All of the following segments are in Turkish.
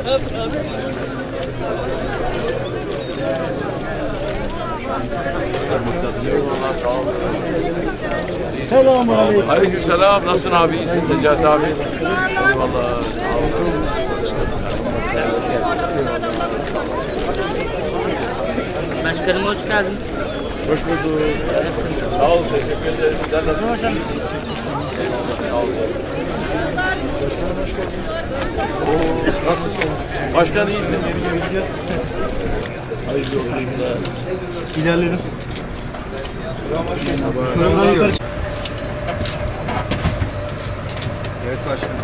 Selamünaleyküm. Aleykümselam. Nasılsın abi? İyisin Necati abi. Eyvallah. Başkanım hoş geldiniz. Hoş bulduk. Sağ ol. Teşekkür ederim. Sen nasılsın hocam? Sağ ol. Nasılsın? Başkan iyisin. Hayırlı olsun. İlerledim. Evet başkanım.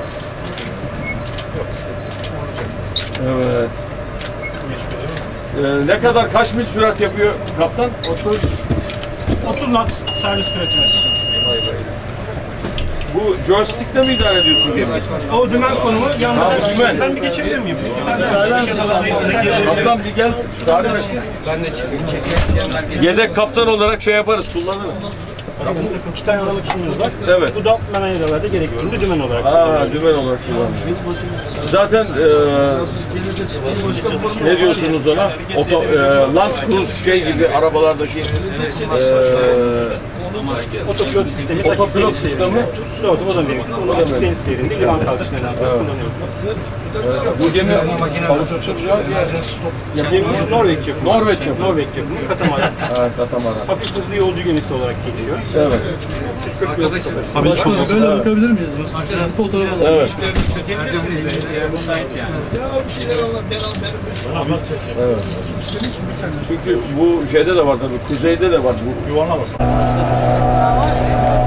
Evet. Ne kadar kaç mil sürat yapıyor kaptan? 30 knot servis süretimiz. Bu joystick'le mi idare ediyorsun gemi? O dümen konumu yanında. Dümen. Ben bir geçebilir miyim? Kaptan bir gel. Ben de yedek kaptan olarak şey yaparız, kullanırız. İki tane aralık işimiz var. Evet. Bu da manevralarda gerekli dümen olarak. Dümen olarak kullanırız. Zaten ne diyorsunuz ona? Land Cruise şey gibi arabalardaki Otopilot sistemi. otopilot sistemi. O da mevcut. Bunu açık deniz seyrinde yılan kalkışlarından sonra kullanıyoruz. Bu gemi Avustralya Gemimiz Norveç yapımı. Norveç yapımı. Norveç yapımı. Katamaran. Evet, katamaran. Hafif hızlı yolcu gemisi olarak geçiyor. Evet. Abi böyle bakabilir miyiz? Fotoğraf alalım. Evet. Evet. Çünkü bu şeyde de var tabii, kuzeyde de var bu. yuvarlamasın.